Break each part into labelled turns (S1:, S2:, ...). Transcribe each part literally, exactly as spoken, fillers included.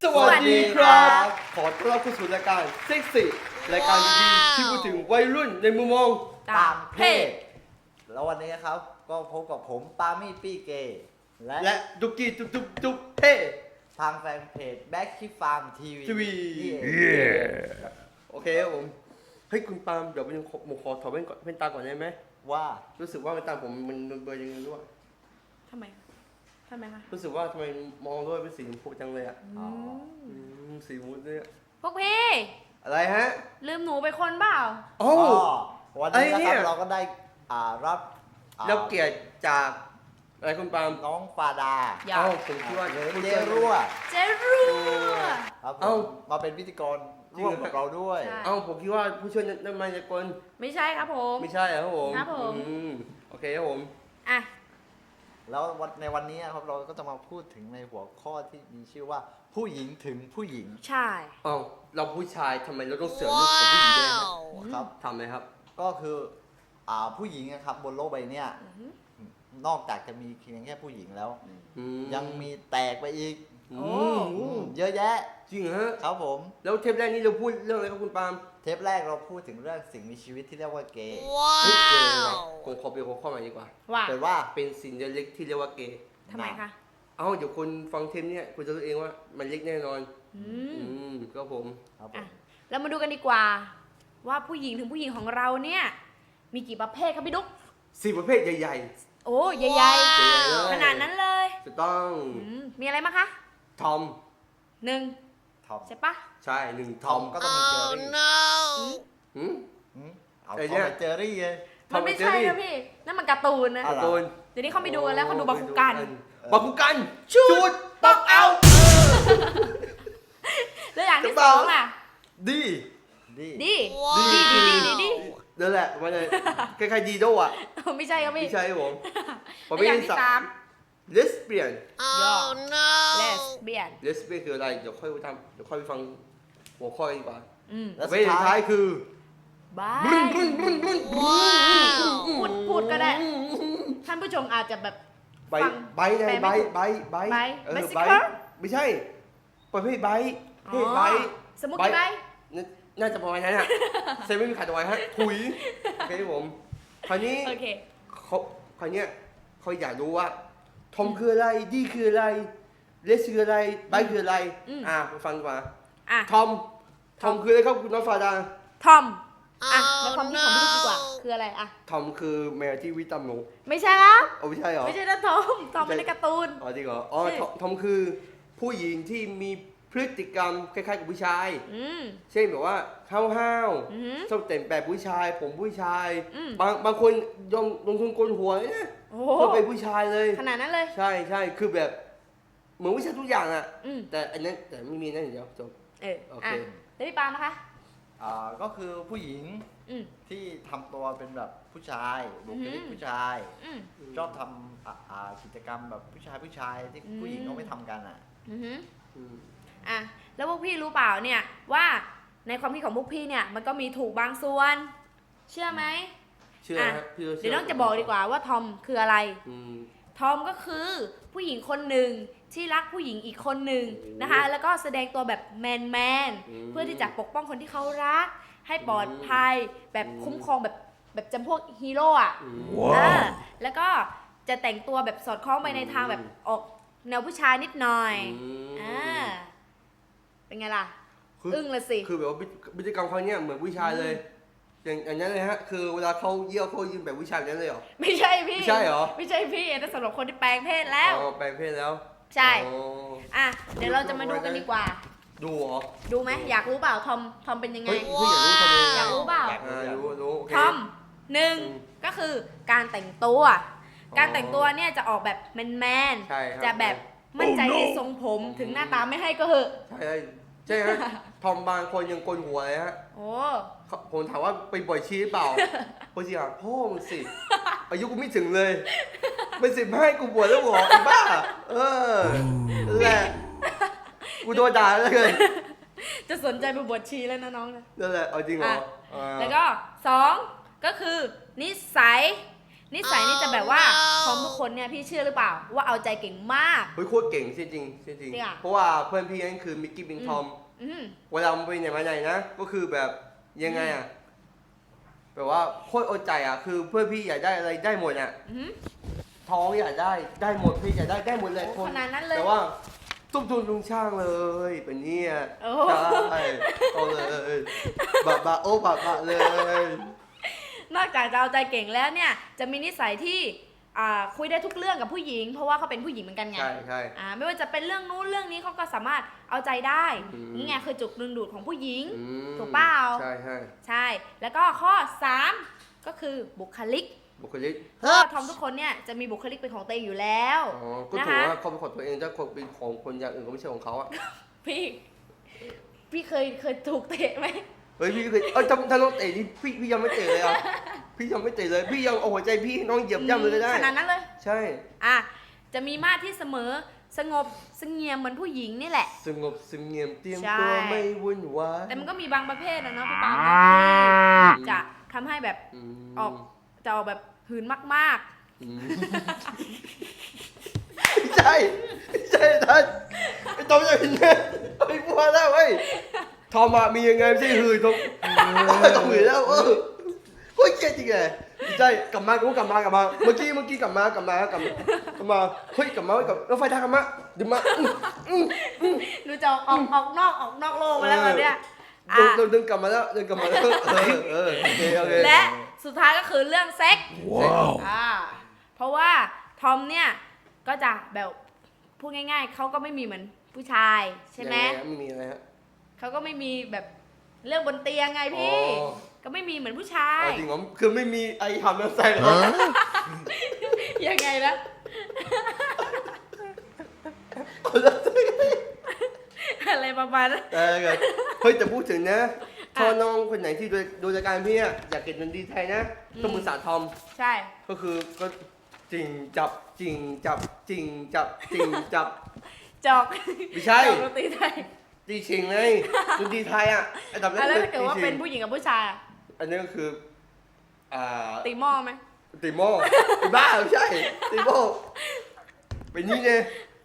S1: สวัสดีครับ ขอต้อนรับเข้าสู่รายการเซ็กซี่รายการดีๆที่พูดถึงวัยรุ่นในมุมมอง
S2: ต่างเพศ
S3: แล้ววันนี้นะครับก็พบกับผมปามี่ปี้เกย์และ
S1: และดุกกี้จุ๊บจุ๊บจุ๊บเท่
S3: ทางแฟนเพจแบ็คคิฟาร์มทีวี
S1: ทีวีโอเคครับผมเฮ้ยคุณปาล์มเดี๋ยวผมขอผมขอถอดแว่นก่อนแว่นตาก่อนได้ไหม
S3: ว่า
S1: รู้สึกว่าแว่นตาผมมันมันเบลอยังไงรู้อ่ะ
S2: ทำไมทำไมคะ
S1: รู้สึกว่าทำไมมองด้วยเป็นสีชมพูจังเลยอ่ะ
S3: อ๋อ
S1: อืมสีมุดเลยอะ
S2: พวกพี่
S1: อะไรฮะ
S2: ลืมหนูไปคนเปล่า
S1: โอ้
S3: ก็วันนี้
S1: ไอ้
S3: นะ
S1: เนี่
S3: ครั
S1: ย
S3: บเราก็ได้อ่ารับอ่า
S1: รับเกียรติจากอะไรคุณปาล์ม
S3: น้องฟาดา
S2: อย่า
S1: เอ้าผมคิดว่า
S3: หรือ
S1: คุณ
S3: เจ
S1: เจ
S3: รั่ว
S2: เจรัว
S3: ครับผ
S1: เอ้า
S3: มมาเป็นพิธีกรร่วมกับเราด้วย
S2: ใช่
S1: เอ้าผมคิดว่าผู้ช่วยนักมายากล
S2: ไม่ใช่ครับผม
S1: ไม่ใช่เหรอครับผม
S2: ครับผม
S1: อืมโอเคครับผม
S2: อ่ะ
S3: แล้ววันในวันนี้ครับเราก็จะมาพูดถึงในหัวข้อที่มีชื่อว่าผู้หญิงถึงผู้หญิง
S2: ใช่
S1: เอ้าเราผู้ชายทำไมเราต้องเสือกเรื่องของผู้หญิงด้วยฮะ
S3: ครับ
S1: ทำไหมครับ
S3: ก็คืออ่าผู้หญิงนะครับบนโลกใบเนี้ยนอกจากจะมีเพียงแค่ผู้หญิงแล้ว
S1: อืม
S3: ยังมีแตกไปอีก
S1: อื
S2: โอ้
S1: ม
S3: อืมเยอะแยะ
S1: จริงเหรอฮะ
S3: ครับผม
S1: แล้วเทปแรกนี้เราพูดเรื่องอะไรครับคุณปาล์ม
S3: เทปแรกเราพูดถึงเรื่องสิ่งมีชีวิตที่เรียกว่าเกย์
S1: เฮ้ยเกย์อะไรผมขอเปลี่ยนหัวข้อใหม่ดีกว่า
S2: ว่า
S3: แต่ว่า
S1: เป็นสิ่งเล็กที่เรียกว่าเกย์
S2: ทำไมคะ
S1: เอ้าเดี๋ยวคนฟังเทปเนี้ยคุณจะรู้เองว่ามันเล็กแน่นอน
S2: อืม
S1: อืมก็ผม
S3: ครับผ
S2: อ่ะ
S3: ม
S2: เรามาดูกันดีกว่า ว่าผู้หญิงถึงผู้หญิงของเราเนี่ย มีกี่ประเภทครับพี่ดุ๊ก
S1: สี่ประเภทใหญ่
S2: โอ้ใหญ่
S1: ใหญ่ๆเลย
S2: ๆขนาดนั้นเลย
S1: ๆถูกต้อง
S2: อืมมีอะไรบ้างคะ
S1: ทอม
S2: หนึ่ง
S3: ทอม
S2: ใช่ปะ
S1: ใช่หนึ่งท
S3: ท
S1: อ
S3: อ
S1: ม
S3: มก็ต้องมีเจอรี่
S1: หืม
S3: หืมเอา
S1: ไอ้
S3: ท
S1: เนี่
S3: อม
S1: ย
S3: ไปเจอรี่เลย
S1: ทอ
S2: มั
S1: ม
S2: นไม่
S1: กับเจอ
S2: ใช่
S1: รี่
S2: นะพี่ นั่นมันการ์ตูนนะ
S3: อะไร
S1: โดน
S2: เดี๋ยวนี้เขาไปดูกันแล้วเขาดูบาคุกัน
S1: บาคุกัน
S2: ชุ
S1: ชุ
S2: ด
S1: ดปอกเอา
S2: แล้วอย่างที่
S1: จะ
S2: ส
S1: บ้า
S2: องล่ะ
S1: ดี
S3: ดี
S2: ดี
S1: ดี
S2: ดีดีดีดี
S1: นั่นแหละมันเลยคล้ายๆดีโดอ่ะ
S2: ไม่ใช่ครับพี่
S1: ไม่ใช่ครับผมผม
S2: แล้วอย่างที่สาม
S1: เลสเบียน
S2: ย่อ เลสเบียน
S1: เลสเบียนคืออะไรเดี๋ยวค่อยไปทำเดี๋ยวค่อยไปฟังหัวข้อดีกว่า
S2: อืม
S3: แล้ว
S1: ประ
S3: สุ
S1: เภ
S3: ด
S1: ทสุด
S3: ท้า
S1: ท้าย ยคือ
S2: บายพูดพูดก็ได้ ท่านผู้ชมอาจจะแบบ
S1: ใบ
S2: ฟัง
S1: ใบไง
S2: แปล
S1: ใบ
S2: ไม่ถูก
S1: ใบใบ
S2: ใบ
S1: เออ
S2: Bicycle
S1: ใบไม่ใช่ ประเภทใบประเภทใบ
S2: อ๋อสมมุติกี่ใบ
S1: น่าน่าจะประมาณนั้นอ่ะเซเว่นมีขายตัวไว้ฮะถุยโอเคครับผมคราวนี้
S2: โอเค
S1: เขาคราวเนี้ยเขาอยากรู้ว่าทอมคืออะไรดีคืออะไรเลสคืออะไรไบคืออะไร
S2: อืม
S1: อ่ะไปฟังดีกว่า
S2: อ่ะ
S1: ทอมทอมคืออะไรครับคุณน้องฟาดา
S2: ทอม อ่ะ แล้วความคิดของพี่ลูกดีกว่า คืออะไรอ่ะ
S1: ทอมคือแมวที่วิตามิน
S2: ไม่ใช่ครับ
S1: เอาไม่ใช่เหรอ
S2: ไม่ใช่นะทอม ทอมเป็นในการ์ตูน
S1: อ๋อจริงเหรออ๋อ
S2: ใช่
S1: ทอมทอมคือผู้หญิงที่มีพฤติกรรมคล้ายๆกับผู้ชาย
S2: อืม
S1: เช่นแบบว่าห้าว
S2: อือหือ
S1: ๆชอบแต่งแบบผู้ชาย ผมผู้ชาย
S2: อืม
S1: บางบางคนยอมลงทุนโกนหัวเลยนะ
S2: โอ้
S1: เพื่อเป็นผู้ชายเลย
S2: ขนาดนั้นเลย
S1: ใช่ใช่คือแบบเหมือนผู้ชายทุกอย่างอ่ะ
S2: อืม
S1: แต่อันนั้นแต่ไม่มีนั่นอย่างเดียวจบ
S2: เออ
S1: โอเค
S2: อ่ะแล้วพี่ปาล์มนะคะ
S3: อ่าก็คือผู้หญิง
S2: อืม
S3: ที่ทำตัวเป็นแบบผู้ชายบุคลิก
S2: อืม
S3: ผู้ชาย
S2: อืม
S3: ชอบทำอ่าอ่ากิจกรรมแบบผู้ชายผู้ชายที่
S2: อืม
S3: ผู้หญิงเขาไม่ทำกันอ่ะ
S2: อือหือ
S1: อืม
S2: อ่ะ แล้วพวกพี่รู้เปล่าเนี่ย ว่าในความคิดของพวกพี่เนี่ย มันก็มีถูกบางส่วน เชื่อไหม
S1: เชื่อ
S2: อ่ะ
S1: ฮะพี่ก็ชื่
S2: เดี๋ยวน้องจะบอกดีกว่าว่าทอมคืออะไร
S1: อืม
S2: ทอมก็คือผู้หญิงคนหนึ่งที่รักผู้หญิงอีกคนหนึ่งนะคะ แล้วก็แสดงตัวแบบแมนแมนๆ
S1: อืม
S2: เพื่อที่จะปกป้องคนที่เขารัก ให้ปลอดภัย แบบ
S1: อืม
S2: คุ้มครองแบบแบบจำพวกฮีโร่อะ
S1: อืม
S2: เออแล้วก็จะแต่งตัวแบบสอดคล้องไปในทางแบบออกแนวผู้ชายนิดหน่อย
S1: ม
S2: อ่าเป็นไงล่ะ
S1: คือ
S2: อึ้งละสิ
S1: คือแบบว่าพฤติกรรมเขาเนี่ยเหมือนผู้ชายเลย อย่างอย่างนั้นเลยฮะ คือเวลาเขาเยี่ยวเขายืนแบบผู้ชายแบบนั้นเลยเหรอ
S2: ไม่ใช่พี่
S1: ไม่ใช่เหรอ
S2: ไม่ใช่พี่นั่นสำหรับคนที่แปลงเพศแล้ว
S1: อ๋อแปลงเพศแล้ว
S2: ใช่
S1: อ๋อ
S2: อ่ะเดี๋ยวเราจะมาดูกันดีกว่า
S1: ดูเหรอ
S2: ดูไหมอยากรู้เปล่าทอมทอมเป็นยังไง
S1: เฮ้ยพี่อยากรู้ทำไม
S2: อยากรู้เปล่า
S1: อ่ารู้รู้โอเค
S2: ทอมหนึ่ง
S1: อืม
S2: ก็คือการแต่งตัว
S1: อ
S2: การแต่งตัวเนี่ยจะออกแบบแมนแมนๆ
S1: ใช่ครับ
S2: จะแบบมั่นใจในทรงผมถึงหน้าตาไม่ให้ก็เหอะ
S1: ใช่ใช่ใช่ฮะ ทอมบางคนยังโกนหัวเลยฮะ
S2: โอ้
S1: เขาผมถามว่าไปบ่อยชีหรือเปล่า พอสิอ่ะพ่อมึงสิ อายุกูไม่ถึงเลย ไม่สิบให้กูบวชแล้วเหรอไอ้บ้า เออนั่นแหละ กูโดนด่าแล้วเลย
S2: จะสนใจไปบวชชีแล้วนะน้องนะ
S1: นั่นแหละ เอาจริงเหรอ
S2: อ่ะ
S1: อ่า
S2: แล้วก็สองก็คือนิสัยนิสัยนี่จะแบบว่าพร้อมทุกคนเนี่ยพี่เชื่อหรือเปล่าว่าเอาใจเก่งมาก
S1: เฮ้ยโคตรเก่งจริงจริงจริง
S2: จริงอะ
S1: เพราะว่าเพื่อนพี่นั่นคือมิกกี้บิงทอม
S2: อืม
S1: เวลามันไปไหนมาไหนนะ ก็คือแบบยังไงอ่ะแบบว่าโคตรเอาใจอ่ะคือเพื่อนพี่อยากได้อะไรได้หมดอ่ะ
S2: อืม
S1: ท้องอยากได้ได้หมดพี่อยากได้ได้หมดเลย
S2: โอ้ขนาดนั้นเลย
S1: แต่ว่าตุ้มทุนลุงช่างเลยเป็นเนี่ย
S2: โอ้
S1: ใช่เอาเลยบะบะโอ้บะบะเลย
S2: นอกจากจะเอาใจเก่งแล้วเนี่ยจะมีนิสัยที่อ่าคุยได้ทุกเรื่องกับผู้หญิง เพราะว่าเขาเป็นผู้หญิงเหมือนกันไง
S1: ใช่ใช่
S2: อ่าไม่ว่าจะเป็นเรื่องนู้นเรื่องนี้เขาก็สามารถเอาใจได้
S1: อืม
S2: นี่ไงคือจุดดึงดูดของผู้หญิง
S1: อืม
S2: ถูกเปล่า
S1: ใช่ใช่
S2: ใช่ แล้วก็ข้อสามก็คือบุคลิก
S1: บุคลิก
S2: ก็ทอมทุกคนเนี่ยจะมีบุคลิกเป็นของตัวเองอยู่แล้ว
S1: อ๋อก็
S2: นะ
S1: ถือ
S2: คะ
S1: ว่าเขาเป็นของตัวเองถ้าคนเป็นของคนอย่างอื่นก็ไม่ใช่ของเขาอ่ะ
S2: พี่พี่เคยเคยถูกเตะไหม
S1: เฮ้ยพี่เคยเออถ้าถ้าน้องเตะนี่พี่พี่ยังไม่เตะเลยอ่ะพี่ยังไม่เตะเลยพี่ยังเอาหัวใจพี่ให้น้องเหยียบย่ำเลยก็ได้
S2: ขนาดนั้นเลย
S1: ใช่
S2: อ่ะจะมีมาตรที่เสมอสงบเสงี่ยมเหมือนผู้หญิงนี่แหละ
S1: สงบเสงเงียมเตรียม
S2: ใช่
S1: ตัวไม่วุ่นวาย
S2: แต่มันก็มีบางประเภทนะเนาะพี่ปาล์มที่จะทำให้แบบ
S1: ม
S2: ออกจะออกแบบหืนมาก
S1: อืมไม่ใช่ไม่ใช่ท่านไอ้ตอมจะเป็นเนี่ยไอ้พัวแล้วเว้ยทอมอะมียังไงไม่ใช่หืนตรงต้องหืนแล้วเออโคตรเกลียดจริงเลยไม่ใช่กลับมากูกลับมากลับมาเมื่อกี้เมื่อกี้กลับมากลับมากลับมากลับมาเฮ้ยกลับมาเฮ้ยกลับรถไฟทางกลับมาดึงมาอื้ออื้อ
S2: ๆดูจะออกออกออกนอกออกนอกโลกมาแล้วแบบเนี้ย
S1: เดิน
S2: อ่ะ
S1: เดินเดินกลับมาแล้วเดินกลับมาแล้วเออเออโอเคโอเค
S2: และสุดท้ายก็คือเรื่องเซ็ก
S1: ว้าว
S2: อ่าเพราะว่าทอมเนี่ยก็จะแบบพูดง่ายๆเขาก็ไม่มีเหมือนผู้ชายใช่ไหม
S1: ยังงฮะไม่มีอะไรฮะ
S2: เขาก็ไม่มีแบบเรื่องบนเตียงไงพี่
S1: อ๋อ
S2: ก็ไม่มีเหมือนผู้ชาย
S1: อ๋อจริงเหรอคือไม่มีไอ้ทำแล้วใส่เหรอ
S2: ยังไงนะ อะไรประมาณนั้น
S1: เออเฮ้ยแต่พูดถึงนะถ้าน้องคนไหนที่ดูดูรายการพี่อะอยากเก็บเงินดีไทยนะต้องมือสาทอม
S2: ใช่
S1: ก็คือก็จริงจับจริงจับจริงจับจริงจับ
S2: จอก
S1: ไม่ใช่
S2: จอกดนตรีไทย
S1: ตีชิงไงดนตรีไทยอะอันดับแร
S2: อ่ะ
S1: ก
S2: แล้ว
S1: คือ
S2: ถ้าเกิด
S1: ตี
S2: ว่า
S1: ชิ
S2: เป็น
S1: ง
S2: ผู้หญิงกับผู้ชายอ่ะ
S1: อันนี้ก็คืออ่า
S2: ตีหม้อไหม
S1: ตีโม่ไอ้บ้าไม่ใช่ตีโม่เป็นนี่เลย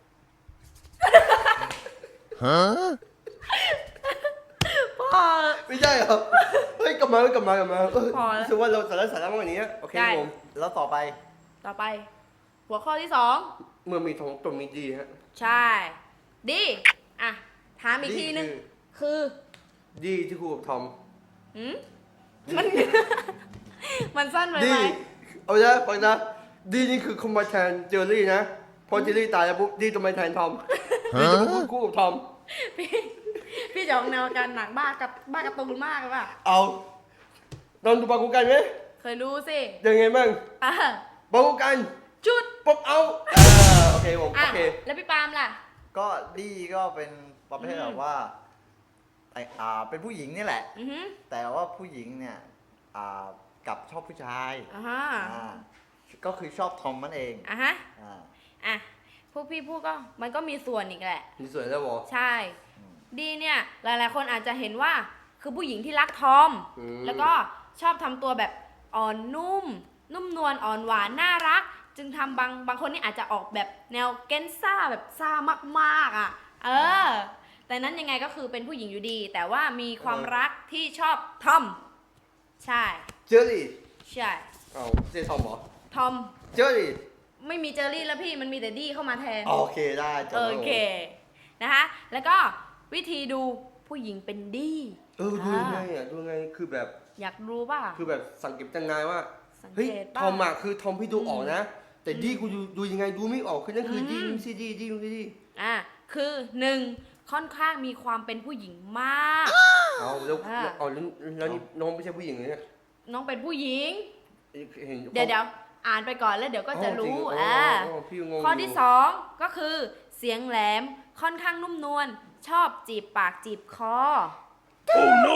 S2: พ่อ
S1: ไม่ใช่เหรอเฮ้ยกลับมากลับมากลับมาเออ
S2: พอแล้ว
S1: รู้สึกว่าเราสาระสาระมากกว่านี้โอเค
S2: ได้
S1: ผม
S3: แล้วต่อไป
S2: ต่อไป หัวข้อที่สอง
S1: เมื่อมีทองตัวมีดีฮะ
S2: ใช่ ดีอ่ะถามอีกทีนึง คือ
S1: ดีที่คู่กับทอม
S2: หืมมัน มันสั้นไป
S1: ดี
S2: ไหม
S1: เอาละฟังนะดีนี่คือคอมมาแทนเจอรี่นะพอเจอรี่ตายแล้วปุ๊บดีจะมาแทนทอมดีจะมาพูดคู่กับทอม
S2: พี่พี่จะออกแนวการหนังบ้ากับบ้าการ์ตูนมากเลยป่ะ
S1: เอาลองดูปากูกันไหม
S2: เคยรู้สิ
S1: ยังไงบ้าง
S2: อ่ะ
S1: ปากูกัน
S2: จุด
S1: ปุ๊บเอาเออโอเคผม
S2: อ่ะ
S1: โอเค
S2: แล้วพี่ปาล์มล่ะ
S3: ก็ดีก็เป็นประเภท
S2: อืม
S3: แบบว่าแต่อ่าเป็นผู้หญิงนี่แหละ
S2: อือฮึ
S3: แต่ว่าผู้หญิงเนี่ยอ่ากลับชอบผู้ชาย
S2: อ่าฮะ
S3: อ่าก็คือชอบทอมมันเอง
S2: อ่ะฮะ
S3: อ่า
S2: อ่ะพวกพี่พูดก็มันก็มีส่วนอีกแหละ
S1: มีสวยแล้วบอ
S2: ใช่ ดีเนี่ยหลายๆคนอาจจะเห็นว่าคือผู้หญิงที่รักทอม
S1: อืม
S2: แล้วก็ชอบทำตัวแบบอ่อนนุ่ม นุ่มนวลอ่อนหวานน่ารัก จึงทำบางบางคนนี่อาจจะออกแบบแนวเกนซ่าแบบซ่ามากๆอ่ะ เออ แต่นั้นยังไงก็คือเป็นผู้หญิงอยู่ดี แต่ว่ามีความรักที่ชอบทอม ใช่
S1: เจอรี่
S2: ใช่
S1: เอาเจอทอมเหรอ
S2: ทอม
S1: เจอรี่
S2: ไม่มีเจอรี่แล้วพี่มันมีแต่ดี้เข้ามาแทน
S1: โอเคได้จบ
S2: โอ
S1: แล้วผม
S2: เค นะคะ แล้วก็วิธีดูผู้หญิงเป็นดี
S1: เออดูยังไงอ่ะดูยังไงคือแบบ
S2: อยากรู้ป่ะ
S1: คือแบบสังเกตยังไงว่า
S2: สัง
S1: เฮ้ย
S2: เกต
S1: ท
S2: ป่ะ
S1: อมอะคือทอมพี่ดูออกนะ แต่
S2: อืม
S1: ดีกูดูดูยังไงดูไม่ออกคือนั่นคืออ
S2: ม
S1: ดีไม่ใช่ดีดีไม่ใช่ดี
S2: อ่ะ คือหนึ่งค่อนข้างมีความเป็นผู้หญิงมาก
S1: เอาแล้ว
S2: อ่า
S1: เอาแล้วแล้วนี่น้องไม่ใช่ผู้หญิงเลยเนี่ย
S2: น้องเป็นผู้หญิง
S1: เห็น
S2: เดี๋ยวเดี๋ยวอ่านไปก่อนแล้วเดี๋ยวก็จะรู้
S1: อ่า
S2: อ่า
S1: พี่งง
S2: ข้อที่สองก็คือเสียงแหลมค่อนข้างนุ่มนวลชอบจีบปากจีบคอ
S1: โอ้ no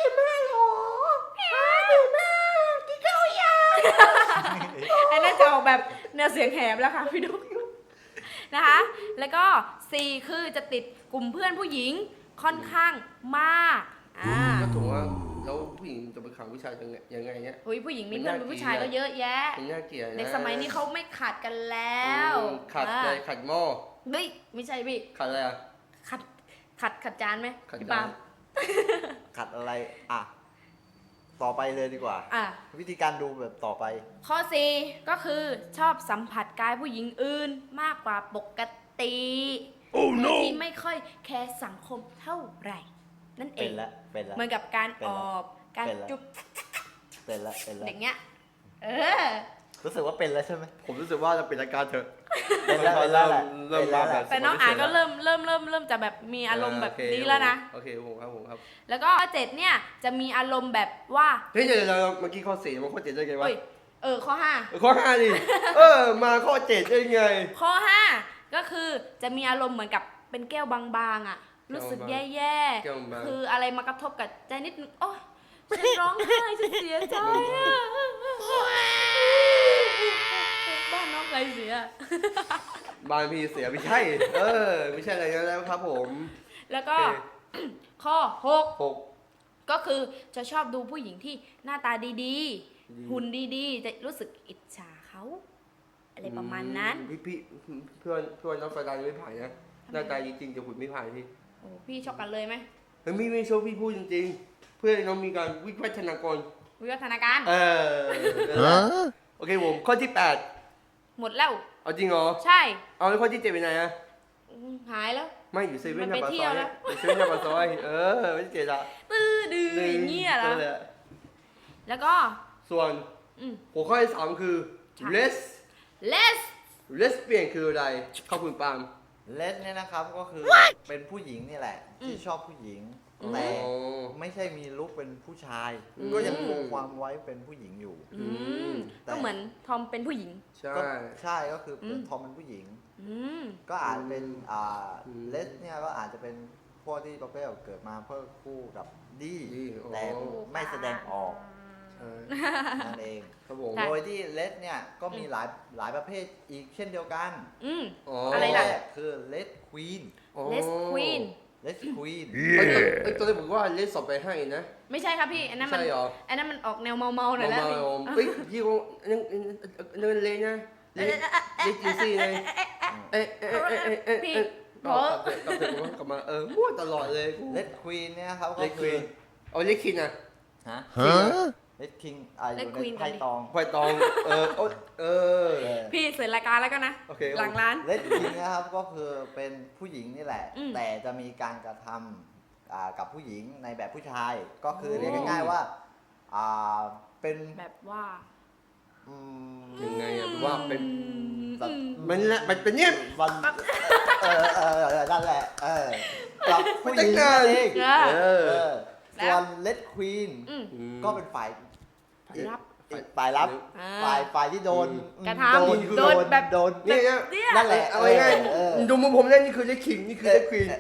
S2: ไอ้นั่นจะออกแบบแนวเสียงแหบแล้วค่ะพี่ดุ๊กนะคะ แล้วก็สี่คือจะติดกลุ่มเพื่อนผู้หญิงค่อนข้างมากอ่า
S1: ก็ถูกว่าแล้วผู้หญิงจะไปขังผู้ชายยังไงยังไงเนี่ย
S2: อุ้ยผู้หญิงมี
S1: มัน
S2: เพื่อน
S1: น่า
S2: เป็นผู้ชาย
S1: เกลียด
S2: ก็เยอะแยะ
S1: มันน่าเกลียดนะ
S2: เด็กสมัยนี้เขาไม่ขัดกันแล้ว
S1: อืมขัดเลยขัดหม้อ
S2: เฮ้ยไม่ใช่พี่
S1: ขัดอะไรอ่ะ
S2: ขัดขัดขัดจานไหม
S1: ขัด
S2: พี่
S1: จาน
S2: ปาล์ม
S3: ขัดอะไรอ่ะต่อไปเลยดีกว่า
S2: อ่ะ
S3: วิธีการดูแบบต่อไป
S2: ข้อสี่ก็คือชอบสัมผัสกายผู้หญิงอื่นมากกว่าปกติโอ้โนที่ไม่ค่อยแคร์สังคมเท่าไหร่ นั่นเอ
S3: เป็น
S2: ง
S3: แล้วเป็นแล้ว
S2: เหมือนกับการ
S3: เป็น
S2: อ
S3: แล้ว
S2: อบการ
S3: เป็นแล้ว
S2: จุ๊บ
S3: เป็นแล้วเป็นแล้ว
S2: อย่างเงี้ยเออ
S3: รู้สึกว่าเป็นแล้วใช่ไหม
S1: ผมรู้สึกว่าจะเป็นอาการเถอะ
S3: เป็นแล้วเป็นแล้วแหละ
S1: เริ่ม
S3: เป็นแล้ว
S1: มา
S3: แห
S1: แบ
S3: ละ
S1: บ
S2: แต่น้องอาก็เริ่มเริ่มเริ่มเริ่มจะแบบมีอารมณ์แบบนี้แล้วนะ
S1: โอเคผมครับผมครับ
S2: แล้วก็ข้อเจ็ดเนี่ยจะมีอารมณ์แบบว่า
S1: เฮ้ยเดี๋ยวเดี๋ยวเมื่อกี้ข้อสี่มาข้อเจ็ดได้ไงวะ
S2: เอ้ยเออข้อห้า
S1: ข้อห้าดิเออมาข้อเจ็ดได้ไง
S2: ข้อห้าก็คือจะมีอารมณ์เหมือนกับเป็นแก้วบางๆอ่ะ รู้สึกแย่
S1: แก้วบาง
S2: ๆคืออะไรมากระทบกับใจนิดนึงโอ๊ยฉันร้องไห้ฉันเสียใจอ่ะบ้านน้องใครเสีย
S1: บางพีเสียไม่ใช่ เออ ไม่ใช่อะไรนั้นแล้วครับผม
S2: แล้วก็
S1: โอเค
S2: ข้อหก
S1: หก
S2: ก็คือจะชอบดูผู้หญิงที่หน้าตาดี
S1: ดี
S2: ๆ หุ่นดีๆ จะรู้สึกอิจฉาเขา อะไรประมาณนั้น
S1: พี่พี่เพื่อนเพื่อนน้องสดายังไม่ผ่านนะหน้าตาจริงๆแต่หุ่นไม่ผ่านพี่
S2: โอ้พี่ชอบกันเลยไหม
S1: เฮ้ยไม่ไม่โชว์พี่พูดจริงๆ เพื่อนน้องมีการวิวัฒนากร
S2: วิวัฒนาการ
S1: เออนั่นแหละโอเคผมข้อที่แปด
S2: หมดแล้ว
S1: เอาจริงเหรอ
S2: ใช่
S1: เอาแล้วข้อที่เจ็ดเป็นไงอะ
S2: อืมหายแล้ว
S1: ไม่อยู่เซเว่น
S2: มัน
S1: ห
S2: ไป
S1: น้าปาก
S2: เที่
S1: ซ
S2: ยว
S1: อย
S2: แล้ว
S1: อยู่เซเว่นหน้าปากซอยเออไม่ใช่เจ็ดอะ
S2: ตื้อดื้ออย่างเงี้ยเหรอ
S1: นั่นแะ
S2: แล้วก็
S1: ส่วน
S2: อืม
S1: หัวข้อที่สามคือ
S2: ใช่
S1: les
S2: less
S1: lesbian คืออะไรขอบคุณปาล์ม
S3: เลสเนี่ยนะครับก็คือเป็นผู้หญิงนี่แหละ ที่
S2: อืม
S3: ชอบผู้หญิง
S1: อ๋อ
S3: แต่ไม่ใช่มีลุคเป็นผู้ชาย
S1: อืม
S3: ก็ยังคงความไว้เป็นผู้หญิงอยู่
S2: อืม
S3: แต่
S2: ก็เหมือนทอมเป็นผู้หญิง
S1: ใช่
S3: ก็ใช่ก็คือเป็น
S2: อืม
S3: ทอมเป็นผู้หญิง
S2: อืม
S3: ก็อาจเป็นอ่า
S1: อืม
S3: เลสเนี่ยก็อาจจะเป็นพวกที่ประเภทเกิดมาเพื่อคู่กับดี
S1: ดีอ๋อ
S3: แต่ไม่แสดงออก
S1: ใช่
S3: นั่นเอง
S1: ครับผม
S2: ใช่
S3: โดยที่เลสเนี่ยก็มีหลายหลายประเภทอีกเช่นเดียวกัน
S2: อืม
S1: อ๋อ
S2: อะ
S1: อะไร
S2: ล่ะ
S3: แรกคือเลสควีน
S1: อ๋อ
S2: less queen
S3: เลสควีน
S1: เอ้ยเอ้ยตอนแรกผมว่าเลสสอบไปให้นะ
S2: ไม่ใช่ครับพี่ อันนั้นมัน
S1: ใช่เหรอ
S2: อันนั้นมันออกแนวเมาๆหน่อยแล้ว
S1: มา
S2: พี่
S1: ๆเฮ้ยยี่ห้อนั่นนั่นเลยนะเลสเลสจีซี่ไงเอ๊ะเอ๊ะเอ๊ะเอ๊ะเอ๊ะ
S2: พี่
S1: เอ๊ะ
S2: โห
S1: กลับเถอะกลับเถอะกลับมาเออมั่วตลอดเลย
S3: เลสควีนเนี่ยครับ
S1: เล
S3: ก็
S1: สค
S3: คื
S1: วี
S3: อน
S1: เอาเลสคินอ่ะ
S3: ฮะ
S4: Huh?
S3: เลสคิงอ่าอยู่
S2: Red
S3: ใน
S2: Queen
S3: ไพ่ตอง
S1: ไฟตองเออโอ๊ยเออ
S3: เออ
S2: พี่เสร็จรายการแล้วก็นะ
S1: โอเค
S2: หลังร้าน
S3: เลสคิงนะครับก็คือเป็นผู้หญิงนี่แหละ
S2: อืม
S3: แต่จะมีการกระทำอ่ากับผู้หญิงในแบบผู้ชาย ก็คือ
S2: โอ้
S3: เรียกง่ายๆว่าอ่าเป็น
S2: แบบว่า
S3: อืม
S1: ยังไงอะว่าเป็น
S3: แบบ
S1: มันละมันเป็นเนี่ย
S3: วันเออเออเออนั่นแหละเออกับผู้หญิง
S1: มันจะ
S3: นั่นเอง
S2: เอ
S1: เอ
S2: อ
S1: อ
S3: เออ
S2: แล้ว
S3: ส่วนเลดควีน
S2: อืม
S3: ก็เป็นฝ่าย
S2: ฝ่ายรับ
S3: อีกฝ่ายรับ
S2: อ่า
S3: ฝ่ายฝ่ายที่โดน
S2: กระทำ
S3: โดน
S2: โดนแบบ
S3: โดน
S1: นี่นะ
S2: เนี่ย
S3: นั่นแหละ
S1: เอาง่าย
S3: เออ
S1: ๆดูมุมผมเนี่ยนี่คือเลสคิงนี่คือเลสควีน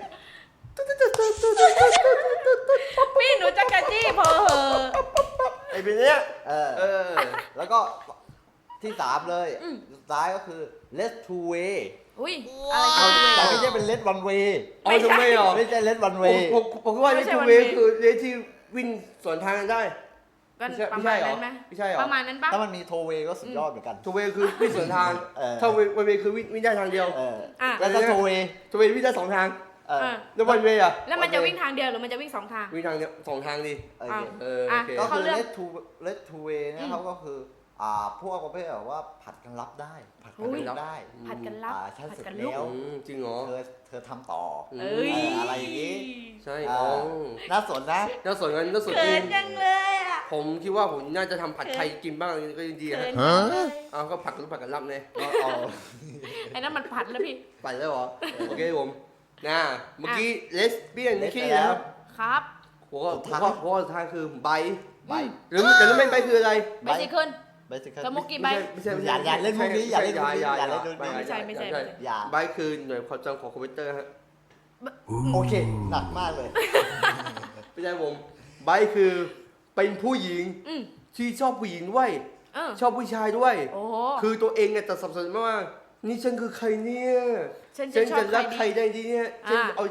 S2: พี่หนูจะกระจี้เพอเหอะ
S1: ไอ้เป็นเนี้ย
S3: เออ
S1: เออ
S3: แล้วก็ที่สามเลย
S2: อืม
S3: สุดท้ายก็คือ let two way
S2: อุ้ยอะไร
S3: เอา
S2: กัน
S3: แต่ไม่ใช่เป็น let one way
S1: เอาทำไมอ่ะ
S3: ไม่ใช่ let one
S1: ผม
S3: way
S1: ผมผมคิดว่า
S2: ไม่
S1: เลส
S2: ใช่
S1: ทู
S2: วัน
S1: เว
S2: เวย์
S1: คือเลสที่วิ่งสวนทางกันได้
S2: ก็
S1: ไม่ใช่
S2: ประ
S1: ไม่
S2: มา
S1: ใช่
S2: ณ
S1: เหรอ
S2: นั้นไหม
S1: ไม่ใช่เหรอ
S2: ประมาณนั้นปะ
S3: ถ้ามันมี two way ก็สุดยอดเหมือนกัน
S1: ทูเวย์คือวิ่งสวนทาง
S3: เออ
S1: ถ้าวันเวย์คือวิ่งวิ่งได้ทางเดียว
S3: เออ
S2: อ่ะ
S3: แล้วถ้า two way
S1: ทูเวย์วิ่งได้สองทาง
S3: เออ
S2: อ่ะ
S1: แล้ววันเวย์อ่ะ
S2: แล้วมันจะวิ่งทางเดียวหรือมันจะวิ่งสองทาง
S1: วิ่งทางเดียวสองทางดิ
S3: โอ
S2: อ่ะ
S3: เค
S1: เออโอเค
S2: อ่ะ
S3: ก็
S2: เขา
S3: คือ
S2: เลือก
S3: let two let two way เนี่ยเขาก็คืออ่าพวกประเภทแบบว่าผัดกันรับได้ ผัดกัน
S2: อุ้ย
S3: รับได้
S2: ผัดกันรับ
S3: อ่าฉัน
S2: ผัด
S3: เสร็จ
S2: กันลุก
S3: แล้ว
S1: อืมจริงเหรอ
S3: เธอเธอทำต่อ
S1: อืม
S2: เอ้ย
S3: อะไรอย่างงี้
S1: ใช่
S3: อ่า
S1: อ๋อ
S3: น่าสนนะ
S1: น่าสนกันน่าสน
S2: เขิ
S1: จริ
S2: น
S1: ง
S2: จังเลยอ่ะ
S1: ผมคิดว่าผมน่าจะทำผัดไทยกินบ้างก็ยังดี
S2: เขิ
S1: ฮะ
S2: นจังเลย
S1: เอาก็ผัดกันผัดกันรับเลย
S3: เอาเอา
S2: ไอ้นั่นมันผัดแล้วพี่
S1: ไปแล้วเหรอ โอเคผมนะเมื่อกี้เลสเบี้ยน
S3: เลส
S1: ขี้
S3: ไปแล้
S1: แล้ว ว
S2: ครับ
S1: หัวข้อหัวข้อหัวข้อสุดท้ายคือใบ
S3: ใบ
S1: หรือแต่รู้ไหมใบคืออะไร
S2: ไปสิขึ้น
S3: ไปสิครับ
S2: สมุกกี่ใบ
S1: ไม่ใช่ไม่
S3: อ
S1: ใช่
S3: ย่าอย่าเล่นมุกนี้อย่าเล่นมุกนี้อย่าเล่นมุกนี้
S2: ไม่ใช่ไม่ใช่ไม่ใช่
S3: อย่า
S1: ใบคือหน่วยความจำของคอมพิวเตอร์ฮะ
S3: โอเค หนักมากเลย
S1: ไม่ใช่ผมใบคือเป็นผู้หญิง
S2: อืม
S1: ที่ชอบผู้หญิงด้วย
S2: เออ
S1: ชอบผู้ชายด้วย
S2: โอ้โห
S1: คือตัวเองเนี่ยจะสับสนมากว่านี่ฉันคือใครเนี่ย
S2: ฉัน
S1: ฉั
S2: จะ
S1: น
S2: ชอบ
S1: จะรัก
S2: ใค
S1: ใคร
S2: รดี
S1: ได้ดีเนี่ยฉัน
S2: อ่า
S1: เอา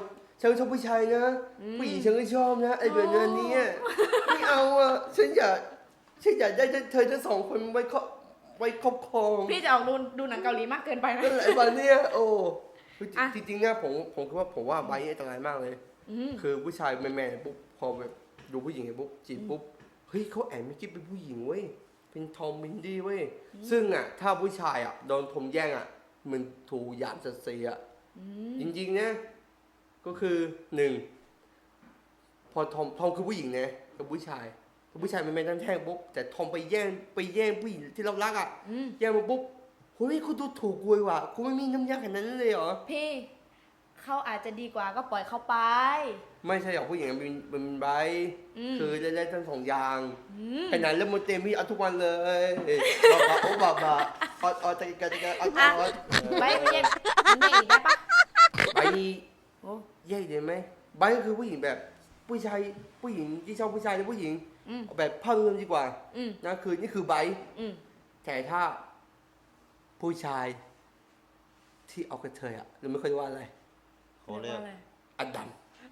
S1: ฉันชอบผู้ชายนะ
S2: อืม
S1: ผู้หญิงฉันก็ชอบนะไอ้แบบนั้นเนี่ยไม่เอาอ่ะฉันอยากฉันอยากได้เธอทั้งสองคนไว้ครอบไว้ครอบครอง
S2: พี่จะออกดูดูหนังเกาหลีมากเกินไปนะ
S1: นั่นแหละวันเนี้ยโอ้
S2: อ่ะ
S1: จริงๆนะผมผมคิดว่าผมว่าใบนี้อันตรายมากเลย
S2: อืม
S1: คือผู้ชายแมนๆปุ๊บพอแบบดูผู้หญิงปุ๊บจีบปุ๊บเฮ้ยเขาแอบไม่คิดเป็นผู้หญิงเว้ยเป็นทอมมินดี้เว้ยซึ่งอ่ะถ้าผู้ชายอ่ะโดนทอมแย่งอ่ะมันถูกหยามศักดิ์ศรีอ่ะ
S2: อืม
S1: จริงๆนะก็คือหนึ่งพอทอมทอมคือผู้หญิงนะกับผู้ชายผู้ชายมันไม่ตั้งแท่งปุ๊บแต่ทอมไปแย่งไปแย่งผู้หญิงที่เรารักอ่ะ
S2: อืม
S1: แย่งมาปุ๊บเฮ้ยคุณดูถูกกูว่ะกูไม่มีน้ำยาขนาดนั้นเลยเหรอ
S2: พี่เขาอาจจะดีกว่าก็ปล่อยเขาไป
S1: ไม่ใช่หรอกผู้หญิงมันเป็นเป็นใบ
S2: อืม
S1: คือได้ได้ทั้งสองอย่าง
S2: อืม
S1: ขนาดเล่นมนเต็มพี่เอาทุกวันเลยบาบาโอ้บาบาเอาเอาใจกันใจกันเอาเอาเอา
S2: ไปไม่แย่ไม่แย่อีกได้ปะ
S1: ใบ
S2: โอ้
S1: แย่ได้ไหมใบก็คือผู้หญิงแบบผู้ชายผู้หญิงที่ชอบผู้ชายหรือผู้หญิง
S2: อืม
S1: เอาแบบภาพรวมดีกว่า
S2: อืม
S1: นะคือนี่คือใบ
S2: อืม
S1: แต่ถ้าผู้ชายที่เอากระเทยอ่ะหรือไม่เคยว่าอะไร
S3: เขาเรียก
S2: อะไร
S1: อดัม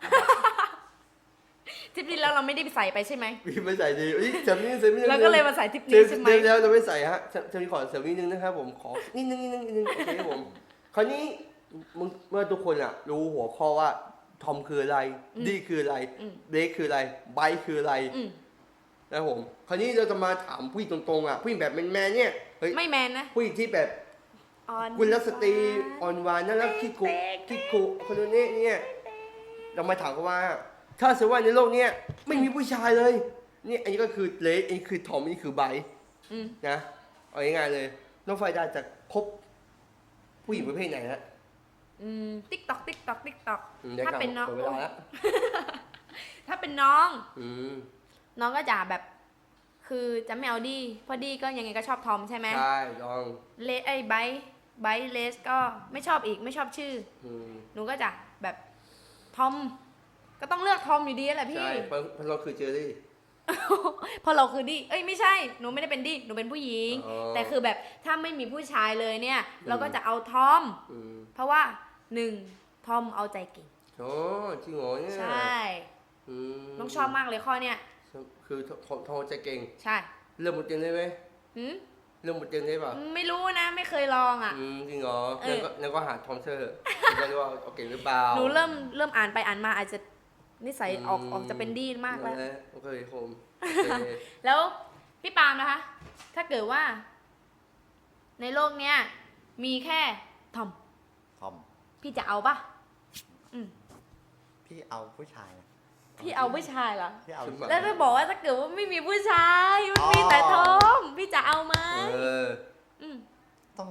S2: ทริปนี้แล้วเราไม่ได้ไปใส่ไปใช่ไหม
S1: พี่ไม่ใส่ดีเอ้ยจำนี่เสริมนิดนึง
S2: เราก็เลยมาใส่ทริป
S1: เดี๋
S2: นี้
S1: ยว
S2: ใช่ไหม
S1: เดี๋ยวเดี๋ยวเราไม่ใส่ฮะจะจะมีขอเสริมนิดนึงนะครับผมขอนิดนึงนิดนึงนิดนึงโอเคครับผมคราวนี้มึงเมื่อทุกคนอ่ะรู้หัวข้อว่าทอมคืออะไรดีคืออะไร
S2: อืม
S1: เบรคคืออะไรไบค์คืออะไร
S2: อืม
S1: นะครับผมคราวนี้เราจะมาถามผู้หญิงตรงๆอ่ะผู้หญิงแบบแมนๆเนี่ยเฮ้ย
S2: ไม่แมนนะ
S1: ผู้หญิงที่แบบ
S2: อ่อน
S1: กุลสตรีอ่อนหวานน่ารักขี้กุขี้กุคนนี้เนี่ยเรามาถามกันว่า ถ้าสมมติว่าในโลกเนี้ยไม่มีผู้ชายเลยนี่อันนี้ก็คือเลสอันนี้คือทอมอันนี้คือไบค์
S2: อืม
S1: นะเอาง่ายๆเลยน้องไฟดาจะคบผู้หญิงประเภทไหนฮะ
S2: อืมติ๊กตอกติ๊กตอกติ๊กตอก
S1: อืมดี๋ยว
S2: ถ้าเป็นน้อง
S1: หมดเวลาแล้ว
S2: ถ้าเป็นน้อง
S1: อืม
S2: น้องก็จะแบบ คือจะไม่เอาดีเพราะดีก็ยังไงก็ชอบทอมใช่ไหม
S1: ใช่ลอง
S2: เลสไอ้ไบร์ทไบร์ทเลสก็ไม่ชอบอีกไม่ชอบชื่อ
S1: อืม
S2: หนูก็จะแบบทอมก็ต้องเลือกทอมอยู่ดีแหละพี่
S1: ใช่เพราะเพราะเราคือเจอรี่
S2: เพราะเราคือดีเอ้ยไม่ใช่หนูไม่ได้เป็นดีหนูเป็นผู้หญิง
S1: อ๋อ
S2: แต่คือแบบถ้าไม่มีผู้ชายเลยเนี่ย เราก็จะเอาทอม
S1: อืม
S2: เพราะว่าหนึ่งทอมเอาใจเก่ง
S1: โอ้จริงเหรอเนี่ย
S2: ใช่
S1: อืม
S2: น้องชอบมากเลยข้อเนี้ย
S1: คือทอมทอมใจเก่ง
S2: ใช่
S1: เรื่องบทเรียนได้ไหม
S2: หืม
S1: เรื่องบทเรียนได้ป่ะ
S2: ไม่รู้นะไม่เคยลองอ่ะ
S1: อืมจริงเหรอ
S2: เอ
S1: แล้ว
S2: อ
S1: ก็แล้วก็หาทอมเธอจะได้ว่าเอาเก่งหรือเปล่า
S2: หนูเริ่มเริ่มอ่านไปอ่านมาอาจจะนิสัยออก
S1: อืม
S2: ออกจะเป็นดีมากแล้ว
S1: นะโอเคผมโอเค
S2: แล้วพี่ปาล์มนะคะ ถ้าเกิดว่า ในโลกเนี้ยมีแค่ทอม
S3: ทอม
S2: พี่จะเอาปะอืม
S3: พี่เอาผู้ชายนะ
S2: พี่เอาผู้ชายเหรอ
S3: พี่เอา
S1: ขึ้นมา
S2: แล้วถ้าบอกว่าถ้าเกิดว่าไม่มีผู้ชายมันมีแต่ทอมพี่จะเอาไหม
S1: เออ
S2: อืม
S3: ต้อง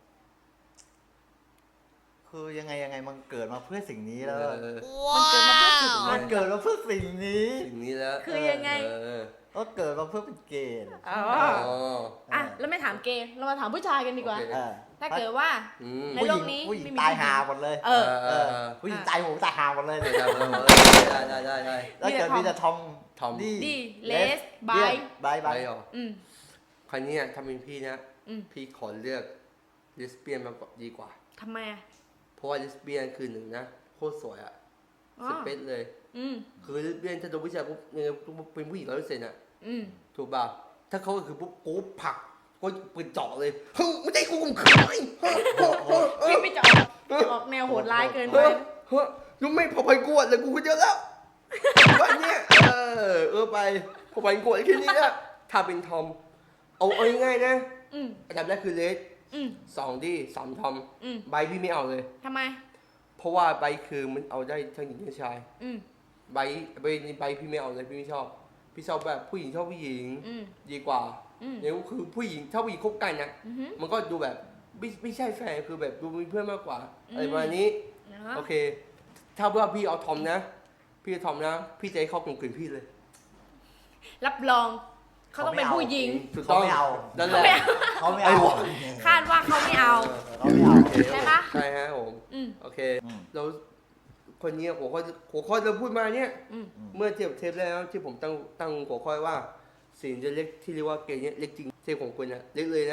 S3: คือยังไงยังไงมันเกิดมาเพื่อสิ่งนี้แล้ว
S1: เออ
S2: มันเกิดมาเพื่อสุด
S3: มันเกิดมาเพื่อสิ่งนี้
S1: สิ่งนี้แล้ว
S2: คือยังไง
S1: เออ
S3: ก็เกิดมาเพื่อเป็นเกย์
S2: อ๋อ
S1: อ๋อ
S2: อ่ะแล้วไม่ถามเกย์เรามาถามผู้ชายกันดีกว่า
S1: โอเค
S3: เออ
S2: ถ้าเกิดว่า
S1: อืม
S2: ในโลกนี้
S3: ผู้หญิง
S2: ไม่มี
S3: ตายหาหมดเลย
S2: เออ
S1: เออ
S3: ผู้หญิงตายหมูตายหาหมดเลย
S1: ได้ได้ได้ได้
S3: แล้วเกิดมีแต่ทอม
S1: ทอม
S3: ดี
S2: ดีเลส
S3: ไบ
S2: ไบ
S3: ไบไบ
S1: ได้หรอ
S2: อืม
S1: คราวนี้อ่ะถ้าเป็นพี่นะ
S2: อืม
S1: พี่ขอเลือกเลสเบี้ยนมากกว่าดีกว่า
S2: ทำไมอ่ะ
S1: เพราะว่าเลสเบี้ยนคือหนึ่งนะโคตรสวยอ่ะ
S2: อ๋อ
S1: สเปซเลย
S2: อืม
S1: คือเลสเบี้ยนถ้าโดนผู้ชายปุ๊บยังไงเป็นผู้หญิงร้อยเปอร์เซ็นต์อ่ะ
S2: อืม
S1: ถูกป่ะถ้าเขาก็คือปุ๊บกูผลักก็ปืนเจาะเลยเฮ้ยไม่ได้กูข่มขืนไอ้เฮ้ยเฮ้ยเฮ้ยเฮ้ย
S2: พี่ไม่จะออกจะออกแนวโหดร้ายเกินไป
S1: เฮ้ยเฮ้ยยังไม่พอไปกวดเลยกูก็เยอะแล้ววันเนี้ยเออเออไปพอไปกวดแค่นี้นะถ้าเป็นทอมเอาเอาง่ายๆนะ
S2: อืม
S1: อันดับแรกคือเลส
S2: อืม
S1: สองดีสามทอม
S2: อืม
S1: ใบพี่ไม่เอาเลย
S2: ทำไม
S1: เพราะว่าใบคือมันเอาได้ทั้งหญิงทั้งชาย
S2: อืม
S1: ใบใบใบพี่ไม่เอาเลยพี่ไม่ชอบ พี่ชอบแบบผู้หญิงชอบผู้หญิง
S2: อืม
S1: ดีกว่า
S2: อืม
S1: เนี่ยคือผู้หญิงถ้าผู้หญิงคบกันนะ
S2: อือหือ
S1: มันก็ดูแบบไม่ไม่ใช่แฟนคือแบบดูเป็นเพื่อนมากกว่า
S2: อืม
S1: อะไรประมาณนี้
S2: เนาะ
S1: โอเค ถ้าว่าพี่เอาทอมนะ พี่เอาทอมนะ พี่จะให้เขาข่มขืนพี่เลย
S2: รับรองเขาต้องเป็นผู้หญิง
S1: ถูก
S3: เขา
S1: ต้อง
S3: ไม่เอา
S1: นั่นแหละ
S3: เขาไม่
S1: ไอ้
S3: เอา
S1: หวาน
S2: คาดว่าเขาไม่เอา
S3: เขาไม่เอา
S1: โอเค
S2: ใช่ปะ
S1: ใช่ฮะผม
S2: อืม
S1: โอเค
S3: อืม
S1: เราคนนี้หัวข้อหัวข้อเราพูดมาเนี่ย
S2: อืม
S1: เมื่อเทียบเทปแล้วที่ผมตั้งตั้งหัวข้อว่า สิ่งจะเล็กที่เรียกว่าเกย์เนี่ยเล็กจริงเทปของคุณอะเล็กเลยนะ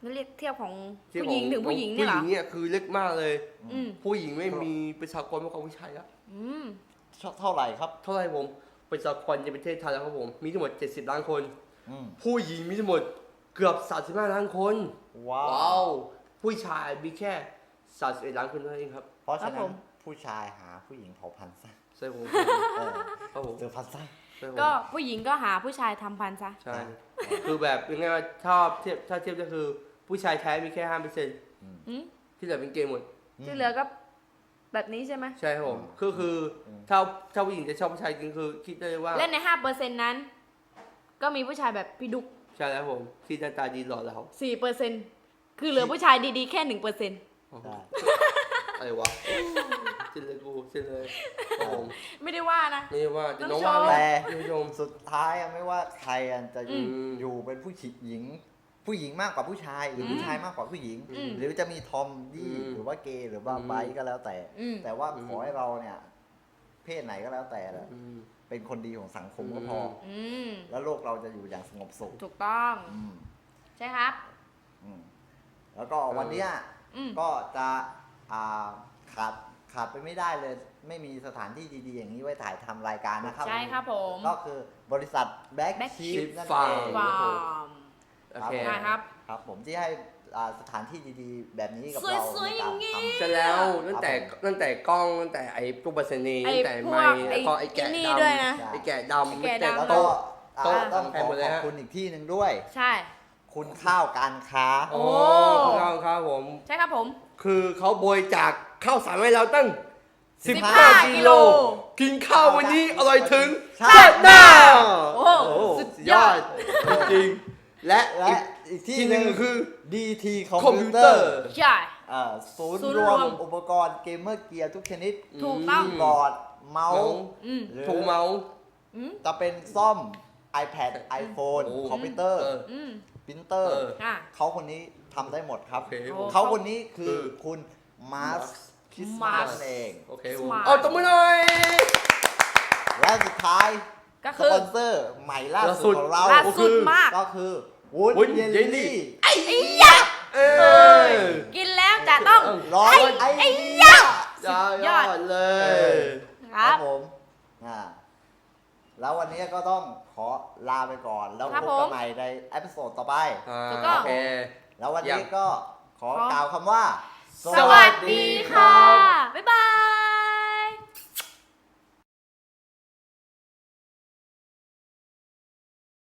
S2: นั่นเรียกเทียบของ
S1: ที่
S2: ผู้หญิง
S1: ของ
S2: ถึงผู้หญิงเนี่ยเหรอ
S1: ผู้หญิงเนี่ยคือเล็กมากเลย
S2: อืม
S1: ผู้หญิงไม่มีประชากรมากกว่าผู้ชายอะ
S2: อืม
S3: เท่าไหร่ครับ
S1: เท่าไหร่ผมประชากรในประเทศไทยแล้วครับผมมีทั้งหมดเจ็ดสิบล้านคน
S3: อืม
S1: ผู้หญิงมีทั้งหมดเกือบสามสิบห้าล้านคน
S3: ว้า
S1: ว้าว วผู้ชายมีแค่สามสิบเอ็ดล้านคนเท่านั้นเองครับ
S3: เพราะฉะ
S2: ครั
S3: นั้
S2: บผ
S3: น
S2: ม
S3: ผู้ชายหาผู้หญิงเผาพันธุ์ซะ
S1: ใช่ผม
S3: เออ
S1: ครับผม
S3: เจอพันธุ์ซะ
S1: ใช่ผม
S2: ก็ผู้หญิงก็หาผู้ชายทำพันซะ
S1: ใช่ คือแบบยังไงว่าถ้าเทียบถ้าเทียบก็คือผู้ชายแท้มีแค่ห้าเปอร์เซ็นต์
S2: อืม
S1: ที่เหลือเป็นเกย์หมด
S2: ที่เหลือก็แบบนี้ใช่ไหม
S1: ใช่ครับผมก็คือถ้าถ้าผู้หญิงจะชอบผู้ชายจริงคือคิดได้เลยว่า
S2: และในห้าเปอร์เซ็นต์นั้น ก็มีผู้ชายแบบพี่ดุก
S1: ใช่แล้วผมที่หน้าตาดีหล่อแล้ว
S2: สี่เปอร์เซ็นต์คือเหลือผู้ชายดีๆแค่หนึ่งเปอร์เซ็นต์
S3: ได้
S1: อะไรวะสิ้นเลยกูสิ้นเลยครับผม
S2: ไม่ได้ว่านะ
S1: ไม่ใช่ว่าจะน้อง
S2: ต้องชม
S1: ว่า
S3: แต่
S1: ท่านผู้ชม
S3: สุดท้ายอะไม่ว่าใครอะจะอยู่
S1: อืม
S3: อยู่เป็นผู้หญิง ผู้หญิงมากกว่าผู้ชาย หรืออ
S2: ม
S3: ผู้ชายมากกว่าผู้หญิง
S2: อืม
S3: หรือจะมีทอมดี้
S1: อืม
S3: หรือว่าเกย์หรือว่า
S1: อืม
S3: ไบค์ก็แล้วแต่
S2: อืม
S3: แต่ว่า
S1: อืม
S3: ขอให้เราเนี่ย เพศไหนก็แล้วแต่แหละ
S1: อืม
S3: เป็นคนดีของสังคมก็พออ
S1: ม
S2: อืม
S3: แล้วโลกเราจะอยู่อย่างสงบสุข
S2: ถูกต้อง
S3: อืม
S2: ใช่ครับ
S3: อืมแล้วก็วันเนี้ย
S2: อืม
S3: ก็จะอ่าขาดขาดไปไม่ได้เลย ไม่มีสถานที่ดีๆ อย่างนี้ไว้ถ่ายทำรายการนะครับ
S2: ใช่ครับผม
S3: ก็คือบริษัทแบ็ก
S2: Black
S3: ชีฟ
S1: Sheep
S3: นั่น
S1: Farm
S3: เอง
S2: ฟาร์ม
S1: โอเค
S2: ได้ครับ
S3: ครับผมที่ให้อ่าสถานที่ดีๆ แบบนี้กับ
S2: สวย
S3: เรา
S2: ๆ
S3: ใน
S2: อย่า
S3: การ
S2: งงี้
S3: ทำ
S1: เสร็จแล้วตั้งแต่ตั้งแต่กล้องตั้งแต่ไอ้พวกบัสนี
S2: ไอ้
S1: ตั้งแต่
S2: พว
S1: ไม้
S2: ก
S1: แล้วก็ไอ้แกะ
S2: ไอ้นี่
S1: ดำ
S2: ด้วยนะ
S1: ไอ้แกะดำ
S2: ไอ้แกะดำ
S3: แล้ว
S1: โต๊ะ
S3: ก็อ่า
S1: โต๊ะ
S3: ต้อง
S1: แพ
S3: ของ
S1: หมดเลย
S3: ขอบ
S1: ฮะ
S3: คุณอีกที่หนึ่งด้วย
S2: ใช่
S3: คุณข้าวการค้า
S1: โอ้
S2: โอ้
S1: ครับครับผม
S2: ใช่ครับผม
S1: คือเขาบริจาคข้าวสารให้เราตั้ง
S2: สิบ
S1: สิบ
S2: ห้า
S1: ห้า
S2: กิ
S1: กิ
S2: โล
S1: โล กินข้าววันนี้อร่อยถึง
S3: ชา
S1: ชา
S3: ติ
S1: ติ
S3: ห
S1: ห
S3: น้า
S1: น้า
S2: โอ้
S1: โอ้
S2: สุด
S1: สุด
S2: ย
S1: ย
S2: อ
S1: อ
S2: ด
S1: ดจริงๆและ
S3: และ
S1: อีก
S3: อีกที่
S1: ที่
S3: ห
S1: ห
S3: นึ่
S1: นึ่
S3: ง
S1: งคือ
S3: ดี ที คอม
S1: คอม
S3: พิ
S1: พิ
S3: ว
S1: ว
S3: เต
S1: เต
S3: อ
S1: อ
S3: ร์
S1: ร์
S2: ใช่
S3: อ่าศูนย์
S2: ศูนย์
S3: ร
S2: ร
S3: ว
S2: ว
S3: ม
S2: ม
S3: อุปกรณ์เกมเมอร์เกียร์ทุกชนิด
S2: ถูกต้อง
S3: คีย์บอร์ด เมาส์
S2: อืม
S3: หรือ
S1: ถูเมาส์
S2: อืม
S3: จะเป็นซ่อม iPad iPhone
S1: โอ้
S3: คอมพิวเตอร์
S1: เออ
S2: อืม
S3: ปรินเตอร์
S1: เออ
S2: อ่ะ
S3: เขาคนนี้ทำได้หมดครับ
S1: โอเค
S2: โอ้
S3: เขาคนนี้คือ
S1: คือ
S3: คุณมาร์คคิส
S2: Mark
S3: มาสเอง
S1: โอเคผม
S2: Smart
S1: เอาตบมือหน่อย
S3: และสุดท้าย
S2: ก็
S3: ส
S2: คือ
S3: ปอนเซอร์ใหม่ล่า
S1: ล่าสุ
S3: สุ
S1: ด
S3: ดของเรา
S2: ล่าสุดมาก
S3: ก็คือวุ้น
S1: วุ้น
S3: เยล
S1: เยลลี่
S3: ลี่
S2: ไอ้ยะ
S1: เออ
S2: กินแล้วจะต้อง
S3: ร้อยไอ้
S2: ไอ้
S3: ยะ
S1: ยอดยอดเล
S3: เอย อ
S2: ครับ
S3: ผมอ่าแล้ววันนี้ก็ต้องขอลาไปก่อน แล้ว
S2: ครั
S3: พ
S2: บบ ผม
S3: กันใหม่ในเอพิโซดต่อไป
S1: อ่า
S2: ถูกต้อง
S1: โอเค
S3: แล้ววัน
S1: ยั
S3: นี้
S1: ง
S3: ก็ขอ
S2: ขอ
S3: กล่าวคำว่า
S2: สวัสดีค่ะ บ๊ายบาย